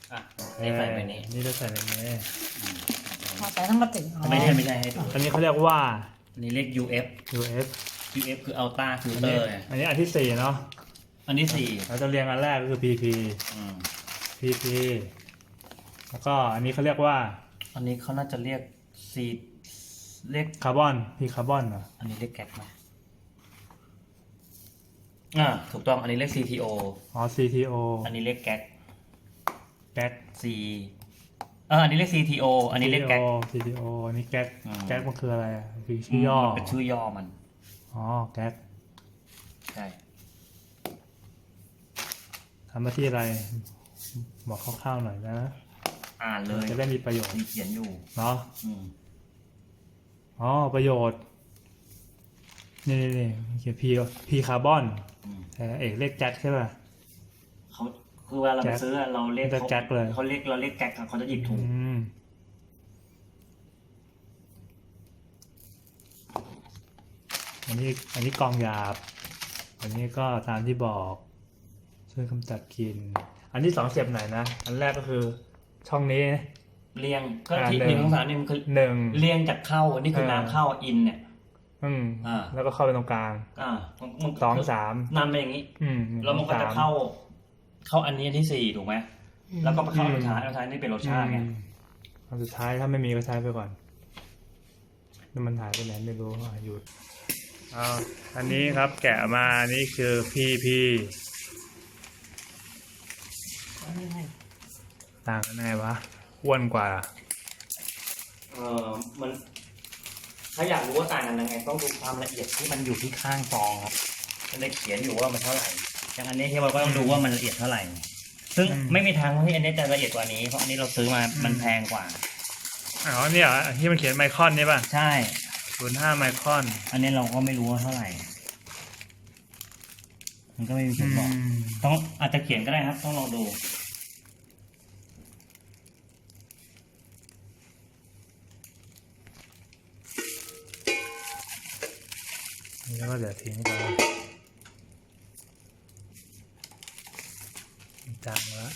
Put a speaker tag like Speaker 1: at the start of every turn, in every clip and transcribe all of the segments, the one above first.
Speaker 1: อ่ะนี่ใส่ไปนี้
Speaker 2: นี่จะใส่ในนี้
Speaker 3: ใส่ทั้งกระติก
Speaker 1: ไม่ใช่ให้ดู
Speaker 2: อันนี้เขาเรียกว่า
Speaker 1: อันนี้เรียก UF
Speaker 2: UF
Speaker 1: คือ Ultra Filter
Speaker 2: อันนี้อันที่4เนาะ
Speaker 1: อันที่4
Speaker 2: เราจะเรียงอันแรกก็คือ PP PP แล้วก็อันนี้เขาเรียกว่า
Speaker 1: อันนี้เขาน่าจะเรียก C เรียก
Speaker 2: คาร์บอน P คาร์บอนเหรอ
Speaker 1: อันนี้เรียกแก๊สไหมถูกต้องอันนี้เรียก CTO
Speaker 2: CTO
Speaker 1: อันนี้เรียกแก๊ส
Speaker 2: แก๊ส
Speaker 1: C อันนี้เรียก CTO อันนี้เรียกแก๊ส
Speaker 2: CTO อันนี้แก๊สแก๊สมันคืออะไรอ่ะคือชื่อย่อ
Speaker 1: เป็นชื่อย่อมัน
Speaker 2: แก๊ส
Speaker 1: ใช่
Speaker 2: ทำหน้าที่อะไรบอกคร่าวๆหน่อยนะ
Speaker 1: อ่านเลย
Speaker 2: จะได้มีประโยชน์
Speaker 1: เขียนอยู่
Speaker 2: เนาะประโยชน์นี่เขียน P คาร์บอนแต่เอกเรียกแก๊สใช่ป่ะ
Speaker 1: เขาคือเวลาเราไปซื้อเราเรียก
Speaker 2: แก๊สเลย
Speaker 1: เราเรียกแก๊สเขาจะหยิบถุง
Speaker 2: อันนี้กองหยาบอันนี้ก็ตามที่บอกช่วยกำจัดกลิ่นอันที่2เสียบไหนนะอันแรกก็คือช่องนี้
Speaker 1: เรียงก็ที่1 2 3นี่มันคือ1เรียงจากเข้านี่คือน้ำเข้าอินเนี่ย
Speaker 2: แล้วก็เข้าไปตรงกลาง2 3
Speaker 1: นำไปอย่างนี้แล้วมันก็จะเข้าอันนี้อันที่4ถูกไหมแล้วก็มาเข้าสุดท้ายนี่เป็นรสชาติไง
Speaker 2: อันสุดท้ายถ้าไม่มีก็ใช้ไปก่อนแล้วมันหายไปไหนไม่รู้หยุดอันนี้ครับแกะมานี่คือ PP ต่างกันไงวะอ้วนกว่า
Speaker 1: มันถ้าอยากรู้ว่าต่างกันยังไงต้องดูความละเอียดที่มันอยู่ที่ข้างซองครับมันได้เขียนอยู่ว่ามันเท่าไหร่อย่างอันนี้ที่เราก็ต้องดูว่ามันละเอียดเท่าไหร่ซึ่งไม่มีทางที่อันนี้จะละเอียดกว่านี้เพราะอันนี้เราซื้อมามันแพงกว่า
Speaker 2: เนี่ยที่มันเขียนไมครอนนี่ป่ะ
Speaker 1: ใช่
Speaker 2: 0.5 ไมครอน
Speaker 1: อันนี้เราก็ไม่รู้ว่าเท่าไหร่มันก็ไม่มีเขียนบอกต้องอาจจะเขียนก็ได้ครับต้องลองดู
Speaker 2: แล้วก็เดี๋ยวทิ้งไปจางแล้ว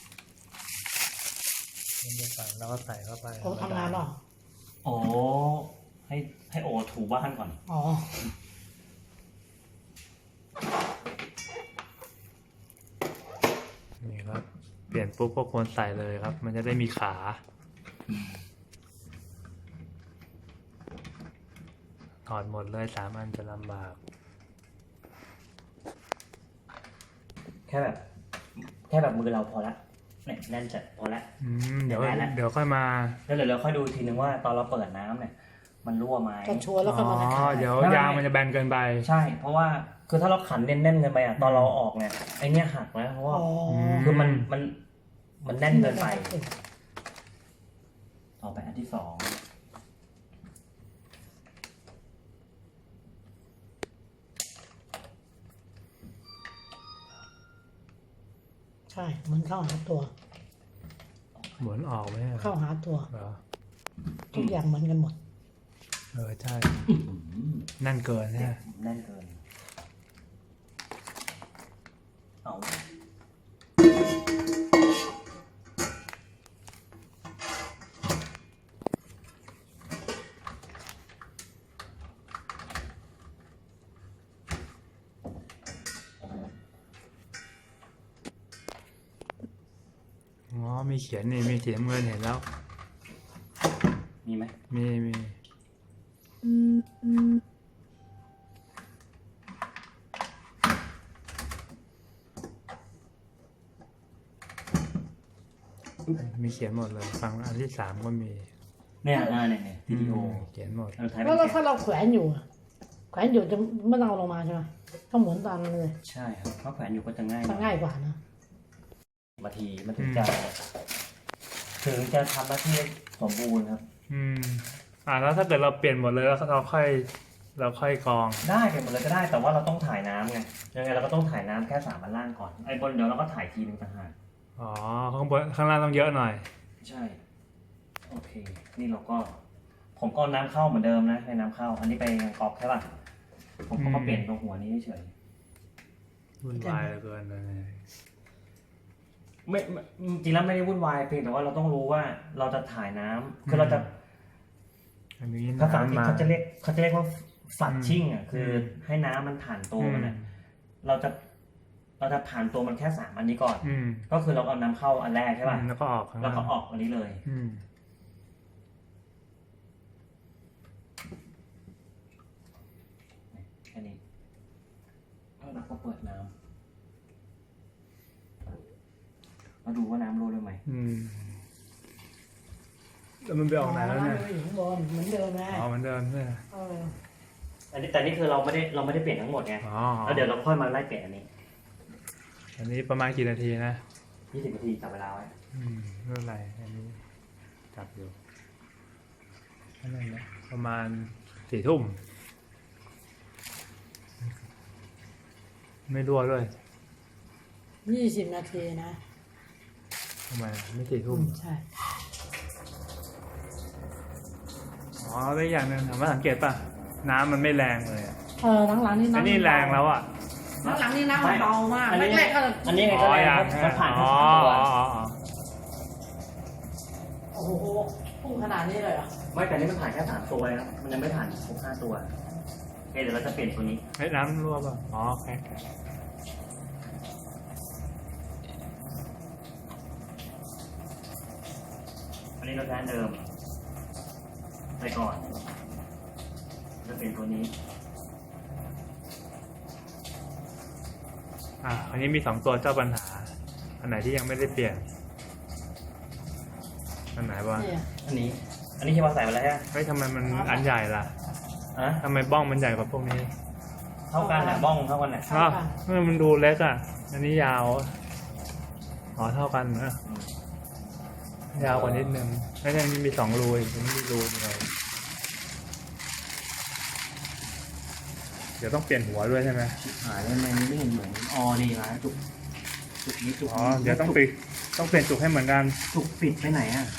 Speaker 2: แล้วก็ใส่เข้าไป
Speaker 3: ทำงานหรอ
Speaker 1: ให้โอถูบ้านก่อน
Speaker 2: นี่ครับเปลี่ยนปุ๊บก็ควรใส่เลยครับ มันจะได้มีขาถอดหมดเลย3 อันจะลำบาก
Speaker 1: แค่แบบมือเราพอละเนี่ยแน่นจัดพอละ
Speaker 2: เดี๋ยวค่อยมา
Speaker 1: แล้วเดี๋ยวเราค่อยดูทีนึงว่าตอนเราเปิดน้ำเนี่ยมันรั่วไหม
Speaker 3: จะชัวร์แล้วก็มา
Speaker 2: เดี๋ยว ยางมันจะแบนเกินไป
Speaker 1: ใช่เพราะว่าคือถ้าเราขันแน่นๆเกินไปตอนเราออกเนี่ยไอเนี้ยหักนะเพราะว่าคือมันแน่นเกินไปต่อไปอันที่2
Speaker 3: ใช่เหมือนเข้าหาตัว
Speaker 2: เหมือนออกไหม
Speaker 3: เข้าหาตัวทุกอย่างเหมือนกันหมด
Speaker 2: ใช่นั่นเกินเนี่ย
Speaker 1: แน่นเกิน
Speaker 2: มีเขียนนี่มีเขียนเงินเห็นแล้ว
Speaker 1: มีไหม
Speaker 2: มีเขียนหมดเลยฟังอันที่3ก็มี
Speaker 1: เนี่ยวิดีโอ
Speaker 2: เขียนหมด
Speaker 3: แล้วถ้าเราแขวนอยู่จะไม่ต้องเอาลงมาใช่ไหมต้องหมุนตามเลย
Speaker 1: ใช่ครับเพราะแขวนอยู่ก็จะง่
Speaker 3: ายกว่านะ
Speaker 1: บางทีมันถึงจะทำหน้าที่สมบูรณ์ครับ
Speaker 2: แล้วถ้าเกิดเราเปลี่ยนหมดเลยแล้วเราค่อยกรอง
Speaker 1: ได้เปลี่ยนหมดเลยก็ได้แต่ว่าเราต้องถ่ายน้ำไงยังไงเราก็ต้องถ่ายน้ำแค่3 อันล่างก่อนไอ้บนเดี๋ยวเราก็ถ่ายทีนึงต่างหาก
Speaker 2: ข้างล่างต้องเยอะหน่อย
Speaker 1: ใช่โอเคนี่เราก็ผมก็น้ำเข้าเหมือนเดิมนะในน้ำเข้าอันนี้ไปกรอกใช่ป่ะผมก็เปลี่ยนตรงหัวนี้เฉย
Speaker 2: วุ่นวายเกินเลย
Speaker 1: ไม่จริงๆแล้วไม่ได้วุ่นวายเพียงแต่ว่าเราต้องรู้ว่าเราจะถ่ายน้ำคือเราจะ
Speaker 2: อันนี้
Speaker 1: ภาษาอังกฤษ
Speaker 2: น้ำมา
Speaker 1: เขาจะเรียกว่าฟัดชิ่งอ่ะคือให้น้ำมันผ่านตัวมันอ่ะเราจะผ่านตัวมันแค่3อันนี้ก่อน ก็คือเราเอาน้ำเข้าอันแรกใช่ป่ะ
Speaker 2: แล้วก็ออกข้าง
Speaker 1: แล้ว
Speaker 2: ล่าง
Speaker 1: ก็ออกอันนี้เลย แค่นี้แล้วก็เปิดน้ำมาดูว่าน้ำรั่วหรือไม่
Speaker 2: แล้วมันไปออกไหนแล้วเนี่ย
Speaker 3: อยู่ข้างบนเหมือนเดิมนะ
Speaker 2: อ๋อเหมือนเดิมใช่ไหม
Speaker 1: อันนี้แต่นี่คือเราไม่ได้เปลี่ยนทั้งหมดไง
Speaker 2: อ๋อ
Speaker 1: แล้วเดี๋ยวเราค่อยมาไล่เปลี่ยนอันนี้
Speaker 2: อันนี้ประมาณกี่นาทีนะ
Speaker 1: 20 นาทีจับเวลาไว้
Speaker 2: ไม่เป็นไรอันนี้จับอยู่อันนั้นนะประมาณ4 ทุ่มไม่รั่วด้วย
Speaker 3: 20 นาทีนะ
Speaker 2: ทำไมไม่4 ทุ่ม
Speaker 3: ใช่
Speaker 2: อ๋อแล้วอย่างหนึ่งถามว่าสังเกตป่ะน้ำมันไม่แรงเลยอะ
Speaker 3: หลังๆนี่
Speaker 2: อัน
Speaker 3: น้ำ
Speaker 2: นี้แรงแล้วอ่ะ
Speaker 3: หลังๆนี่น้ำมันเบามาก
Speaker 1: อันนี้
Speaker 3: แรกๆก็
Speaker 1: อันนี้ไงก็แรงมันผ่านแค่
Speaker 2: อ๋อ
Speaker 1: 3ตัว
Speaker 3: โอ้โหพุ่งขนาดนี้เลยเหรอ
Speaker 1: ไม่แต่นี่มันผ่านแค่3ตัวนะครับมันยังไม่ผ่านครบ5ตัวโอเคเดี๋ยวเราจะเปลี่ยนตัวนี้
Speaker 2: เฮ้ยน้ำรั่วป่ะอ๋อโอเค
Speaker 1: อันนี้เราใช้อันเดิมไปก่อนจะเปลี่ยนตัวนี้
Speaker 2: อันนี้มี2 ตัวเจ้าปัญหา อันไหนที่ยังไม่ได้เปลี่ยน อันไหนวะ
Speaker 3: เนี่ย
Speaker 1: อันนี้ที่ว่าใส่ไปแล้วฮะ
Speaker 2: เฮ้ยทำไมมันอันใหญ่ล่ะ
Speaker 1: อ่ะ
Speaker 2: ทำไมบ้องมันใหญ่กว่าพวกนี้
Speaker 1: เท่ากันนะบ้องเท่ากันนะ
Speaker 2: อ้าวมันดูเล็กอ่ะ อันนี้ยาว อ๋อเท่ากันนะยาวกว่านิดนึงไม่ใช่นี่มี2 รูอีกอันนี้มีรูเดียวเดี๋ยวต้องเปลี่ยนหัวด้วยใช่ไหม
Speaker 1: หายแล้วมันไม่เห็นเหมือนอ๋อนี่นะจุกนี้จุก
Speaker 2: อ๋อเดี๋ยวต้องเปลี่ยนจุกให้เหมือนกัน
Speaker 1: จุกปิดไปไหนอ่ะ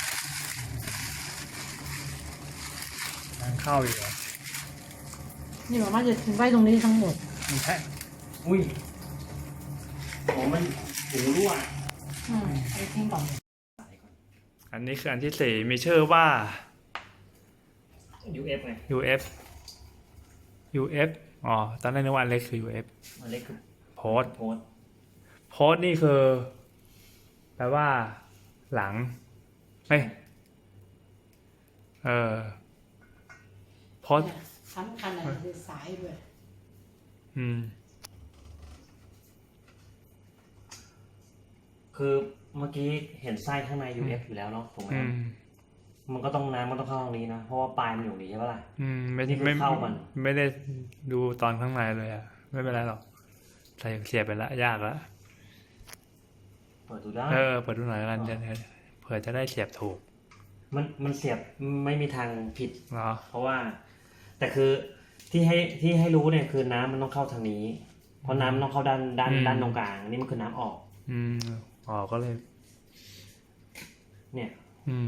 Speaker 2: ทางเข้าอีกเหรอ
Speaker 3: นี่บอกว่าจะถึงไว้ตรงนี้ทั้งหมด
Speaker 2: มันแค่
Speaker 1: อุ้ยโอ้มันหูรั่ว
Speaker 3: ไปทิ้งก่อน
Speaker 2: อันนี้คืออันที่4มีชื่อว่า
Speaker 1: UF ไง
Speaker 2: UF อ๋อตอนแรกนึกว่าอันเล็กคือ UF
Speaker 1: อันเล็กคือ
Speaker 2: โพส
Speaker 1: โพส
Speaker 2: โพสนี่คือแปลว่าหลังเฮ้ยโพส
Speaker 3: สำคัญอะไรคือสายด้วย
Speaker 1: คือเมื่อกี้เห็นไส้ข้างใน UF อยู่แล้วเนาะถูกไหมมันก็ต้องน้ำมันต้องเข้าตรงนี้นะเพราะว่าปลายมันอยู่นี้ใช่ปะล่ะ
Speaker 2: ไม่
Speaker 1: นี่คือเข้ามัน
Speaker 2: ไม่ได้ดูตอนข้างในเลยอ่ะไม่เป็นไรหรอกใส่เสียบไปละยากละ
Speaker 1: เปิดดูได้
Speaker 2: เปิดดูหน่อยกันเผื่อจะได้เสียบถูก
Speaker 1: มันเสียบไม่มีทางผิด
Speaker 2: เหรอ
Speaker 1: เพราะว่า แต่คือที่ให้รู้เนี่ยคือน้ำมันต้องเข้าทางนี้ เพราะน้ำมันต้องเข้าด้านตรงกลางนี่มันคือน้ำออก
Speaker 2: ก็เลย
Speaker 1: เนี่ย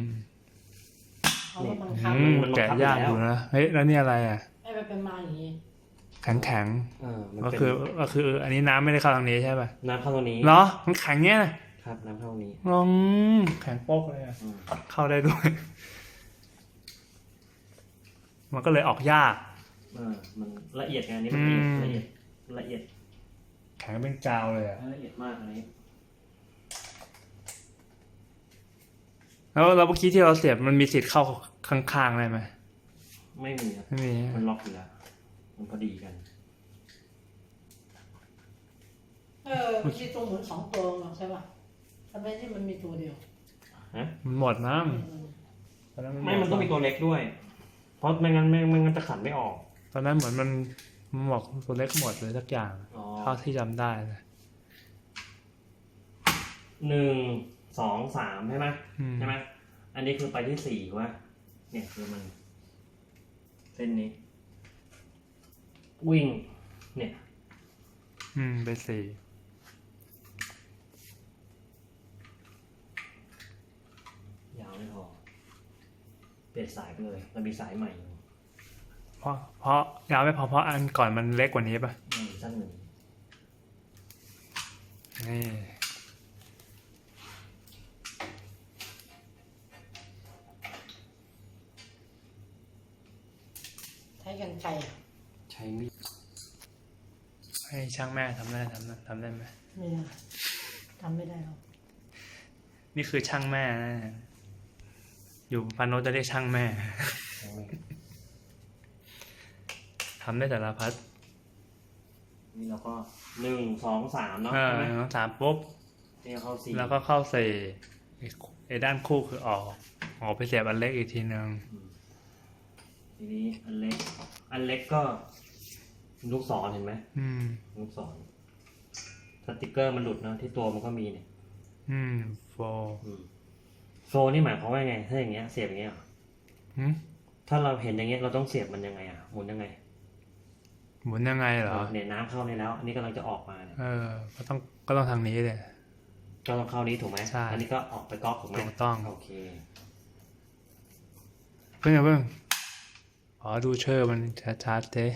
Speaker 3: เอารถบังคับ
Speaker 1: มันบัง
Speaker 2: แกะ
Speaker 1: คับ
Speaker 2: ยาก
Speaker 1: อยู่
Speaker 2: อ
Speaker 1: แล้ว
Speaker 2: ยู่นะเฮ้ยแล้วนี่อะไรอ่ะ
Speaker 3: ให้มันเป็นมาอย่างนี้
Speaker 2: แข็ง
Speaker 1: มัน
Speaker 2: ก็
Speaker 1: เป็น
Speaker 2: คืออันนี้น้ำไม่ได้เข้าทางนี้ใช่ป่ะ
Speaker 1: น้ำเข้าตรงนี้
Speaker 2: เหรอมันแข็งเนี้ยนะครับ
Speaker 1: น้ำเข้าตรงนี้
Speaker 2: แข็งโป๊กเลยอ่ะเข้าได้ด้วย มันก็เลยออกยาก
Speaker 1: มันละเอียดไงอันนี้มันละเอียด
Speaker 2: แข็งเป็นกาวเลยอ่ะ
Speaker 1: ละเอียดมากอันนี้
Speaker 2: แล้วเมื่อกี้ที่เราเสียบมันมีสิทธิ์เข้าข้างๆได้ไหม
Speaker 1: ไม่มีครับ
Speaker 2: ไม่มี
Speaker 1: มันล็อกอยู่แล้วมันพอดีกัน
Speaker 3: มันมีตัวหมุน2 ตัวใช่ป่ะทำไมที่มันมีตัวเดียว
Speaker 2: มันหมดมั้ง
Speaker 1: ไม่มันต้องมีตัวเล็กด้วย เพราะไม่งั้นจะขันไม่ออก
Speaker 2: ตอนนั้นเหมือนมันบอกตัวเล็กหมดเลยสักอย่าง เท่าที่จำได้นะ
Speaker 1: 1 2 3ใช่ไหมใช่ไหมอันนี้คือไปที่4ว่าเนี่ยคือมันเส้นนี้ วิ่งเนี่ย
Speaker 2: ไป4
Speaker 1: ยาวไม่พอเปลี่ยนสายไปเลยเรามีสายใหม่อยู่
Speaker 2: เพราะยาวไม่พอเพราะอันก่อนมันเล็กกว่านี้ป่ะ
Speaker 1: สั้นหนึ่ง
Speaker 2: นี่
Speaker 3: ช้กันไกรอ่ะ
Speaker 1: ใช้มีด
Speaker 2: ให้ช่างแม่ทำได้ไหม
Speaker 3: ไม่ได้ทำไม่ได้หรอก
Speaker 2: นี่คือช่างแม่นะอยู่พานโนจะเรียกช่างแม่
Speaker 1: ใช้มีด
Speaker 2: ทำได้แต่ละพัด
Speaker 1: นี่เราก็1 2 3เนาะ
Speaker 2: เออ
Speaker 1: ใช่ไหม
Speaker 2: ต้องถามปุ๊บ
Speaker 1: ที่เข้า4
Speaker 2: แล้วก็เข้าใส่ไอ้ด้านคู่คือออกไปเสียบอันเล็กอีกทีนึง
Speaker 1: ทีนี้อันเล็กก็ลูกศรเห็นไหม
Speaker 2: อืม
Speaker 1: ลูกศรสติกเกอร์มันหลุดเนาะที่ตัวมันก็มีเนี่ย
Speaker 2: โฟ
Speaker 1: โฟนี่หมายความว่าไงถ้าอย่างเงี้ยเสียบอย่างเงี้ยเหรอ
Speaker 2: หืม
Speaker 1: ถ้าเราเห็นอย่างเงี้ยเราต้องเสียบมันยังไงหมุนยังไง
Speaker 2: หมุนยังไงเหรอ
Speaker 1: เนี่ยน้ำเข้าในแล้ว อันนี้กำลังจะออกมาเนี่ย
Speaker 2: ก็ต้องทางนี้เลย
Speaker 1: ก็ต้องเข้านี้ถูกไหม
Speaker 2: ใช่
Speaker 1: อันนี้ก็ออกไปก๊อกถูกไหม
Speaker 2: ถูกต้อง
Speaker 1: โอเค
Speaker 2: เพิ่งขอดูชื่อมันชัดๆเด้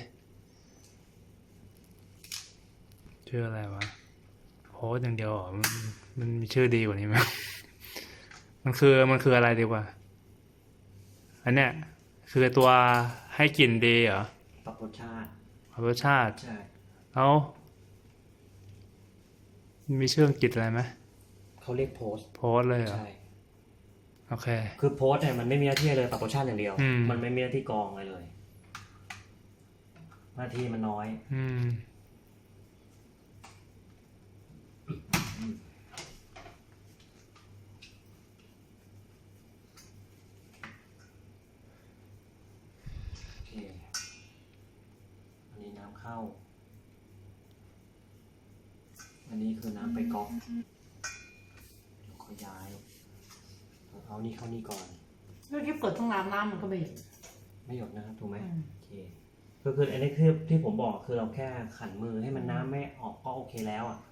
Speaker 2: ชื่ออะไรวะโพสต์อย่างเดียวเหรอมันมีชื่อดีกว่านี้ไหม มันคืออะไรดีกว่า อันเนี้ยคือตัวให้กลิ่นดีเหรอ
Speaker 1: ปรับรสชาติ
Speaker 2: รสชาติ
Speaker 1: ใช่
Speaker 2: แล้วมีชื่ออังกฤษอะไรไหม
Speaker 1: เขาเรียกโพสต์
Speaker 2: โพสต์เลยเหรอ
Speaker 1: ใช่
Speaker 2: โอเค
Speaker 1: คือโพสต์เนี่ยมันไม่มีหน้าที่เลยปรับรสชาติอย่างเดียว
Speaker 2: อืม
Speaker 1: มันไม่มีหน้าที่กรองอะไรเลย หน้าที่มันน้อย โอเค อันนี้น้ำเข้า อันนี้คือน้ำไปก๊อกเดี๋ยวขอย้าย เอานี่เข้านี่ก่อน
Speaker 3: เมื่อกี้เปิดต้องน้ำมันก็ไม่หยุด
Speaker 1: ไม่หยดนะครับถูกไหม
Speaker 3: อืม
Speaker 1: โอเคคืออันนี้คือที่ผมบอกคือเราแค่ขันมือให้มันน้ำไม่ออกก็โอเคแล้วอ่ะ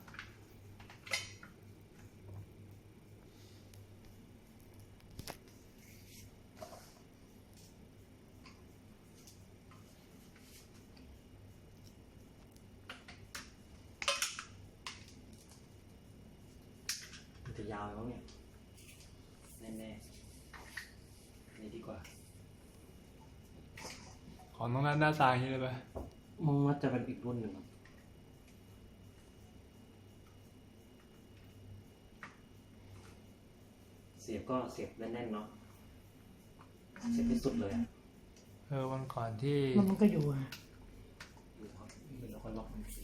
Speaker 1: มันจะยาวแล้วเนี่ยแน่ๆอันนี้ดีกว่า
Speaker 2: ของตรงนั้นหน้าตาอย่างนี้เลยป่ะ
Speaker 1: มึงว่าจะเป็นอีกรุ่นหนึ่งครับเสียบก็เสียบแน่นๆเนาะเสียบที่สุดเลยอ่ะ
Speaker 2: วันก่อนที่
Speaker 3: มันก็อยู่อ่ะ
Speaker 1: แล้วก็ล็อกมันที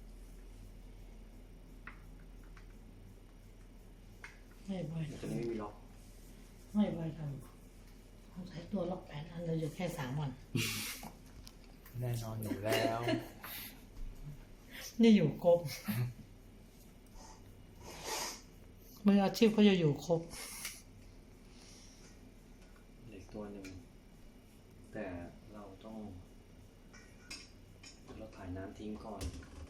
Speaker 3: ไม่บ่อย
Speaker 1: มันจะไม่มีล็อก
Speaker 3: ไม่บ่อยทำต้องใช้ตัวล็อก8 อันเราอยู่แค่3 วัน
Speaker 2: แน่นอนอยู่แล้ว
Speaker 3: นี่อยู่ครบ มืออาชีพเขาจะอยู่ครบ
Speaker 1: อีกตัวหนึ่งแต่เราต้องเราถ่ายน้ำทิ้งก่อน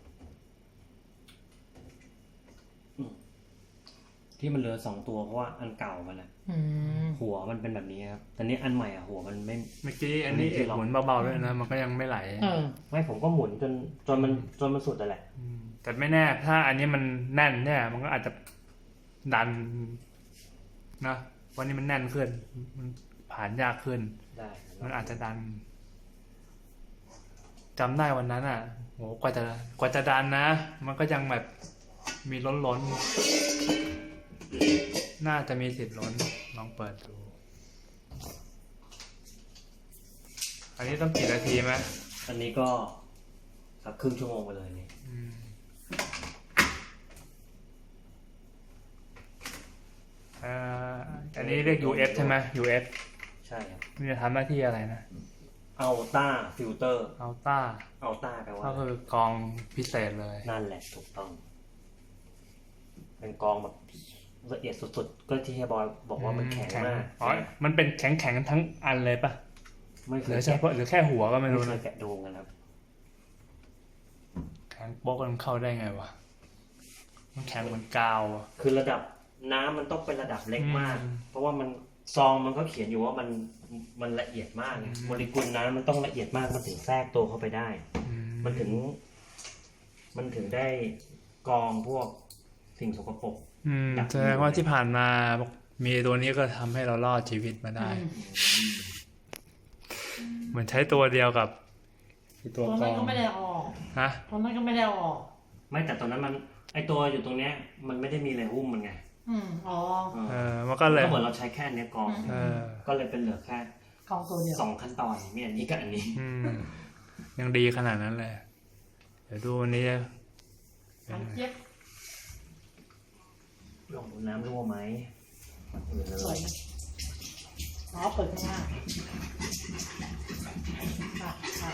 Speaker 1: ที่มันเหลือ2 ตัวเพราะว่าอันเก่ามันอะ
Speaker 3: อืม
Speaker 1: หัวมันเป็นแบบนี้ครับแต่นี้อันใหม่อะหัวมันไม่
Speaker 2: เมื่อกี้อันนี้เอกหมุนเบาๆด้วยนะ มันก็ยังไม่ไหล
Speaker 1: ไม่ผมก็หมุนจนมันสุดแต่แหละ
Speaker 2: แต่ไม่แน่ ถ้าอันนี้มันแน่นเนี่ย มันก็อาจจะดันนะวันนี้มันแน่นขึ้น มันผ่านยากขึ้น
Speaker 1: ได้
Speaker 2: มันอาจจะดันจำได้วันนั้นอ่ะโหกว่าจะดันนะ มันก็ยังแบบมีล้นน่าจะมีสิทธิ์ล้นลองเปิดดู อันนี้ต้องกี่นาทีไหม
Speaker 1: อันนี้ก็สักครึ่งชั่วโมงไปเลยนี่
Speaker 2: อันนี้เรียก UF ใช่ไหม UF
Speaker 1: ใช่ครับ
Speaker 2: มันจะทำหน้าที่อะไรนะ
Speaker 1: อัลต้าฟิลเตอร์
Speaker 2: อัลต้า
Speaker 1: อัลต้าแปลว่า
Speaker 2: ก็คือกองพิเศษเลย
Speaker 1: นั่นแหละถูกต้อง เป็นกองแบบละเอียดสุดๆ ก็ที่เฮียบอยบอกว่ามันแข็งมาก
Speaker 2: อ๋อ มันเป็นแข็งทั้งอันเลยปะ
Speaker 1: ไม่เค
Speaker 2: หรื
Speaker 1: ย
Speaker 2: อเฉพาะหรือแค่หัวก็ไม่รู้
Speaker 1: ไม่เค
Speaker 2: นะ
Speaker 1: ยแกะดูกันครับ
Speaker 2: แข็งโป๊กมันเข้าได้ไงวะ มันแข็งเหมือนกาวอะ
Speaker 1: คือระดับน้ำมันต้องเป็นระดับเล็กมาก
Speaker 2: อืม
Speaker 1: เพราะว่ามันซองมันก็เขียนอยู่ว่ามันละเอียดมากไงโมเลกุลน้ำมันต้องละเอียดมากมันถึงแทรกตัวเข้าไปได้ มันถึงได้กรองพวกสิ่งสกปรก
Speaker 2: แสดงว่าที่ผ่านมามีตัวนี้ก็ทำให้เรารอดชีวิตมาได้ เหมือนใช้ตัวเดียวกับคือ
Speaker 3: ต
Speaker 2: ตัว
Speaker 3: อน
Speaker 2: กร
Speaker 3: นั้น
Speaker 2: อง
Speaker 3: ก็ไม่ได้เอาออก
Speaker 2: ฮะ
Speaker 3: ตอนนั้นก็ไม่ได้เอาออก
Speaker 1: ไม่แต่ตอนนั้นมันไอตัวอยู่ตรงเนี้ย มันไม่ได้มีอะไรหุ้มมันไง
Speaker 3: อ๋อ
Speaker 2: มันก็เลย
Speaker 1: ก็เหมือนเราใช้แค่อันเนี้ยกรอง
Speaker 2: เออ
Speaker 1: ก็เลยเป็นเหลือแค่
Speaker 3: กองตัวเดียว
Speaker 1: 2 ขั้นตอนมีอันนี้กับอันนี้
Speaker 2: ยังดีขนาดนั้นเลย เดี๋ยวดูวันนี้จะ
Speaker 3: อันเจี๊ยบ
Speaker 1: ลองดูน้ำรั่วไหม
Speaker 3: สวยนะอ๋อเปิดข้างหน้าค่ะค่ะ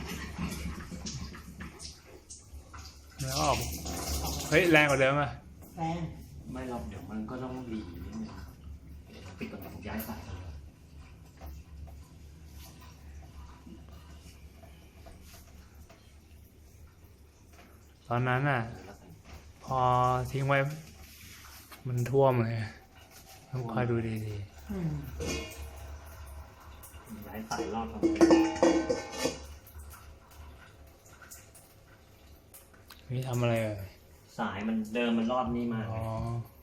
Speaker 2: แล้วออกเฮ้ย แรงกว่าเดิมอ่ะ
Speaker 3: แรง
Speaker 1: ไม่หรอกเดี๋ยวมันก็ต้องรีนิดนึงเดี๋ยวปิดก่อนผมย้ายสายกันเลย
Speaker 2: ตอนนั้นอ่ะ พอทิ้งไว้ มันท่วมเลยต้องคอยดูดี
Speaker 1: ย้ายสายรอดก่อน
Speaker 2: ๆนี่ทำอะไรเอ่ย
Speaker 1: สายมันเดิมมันรอดนี่มา
Speaker 2: อ๋อ
Speaker 1: ไง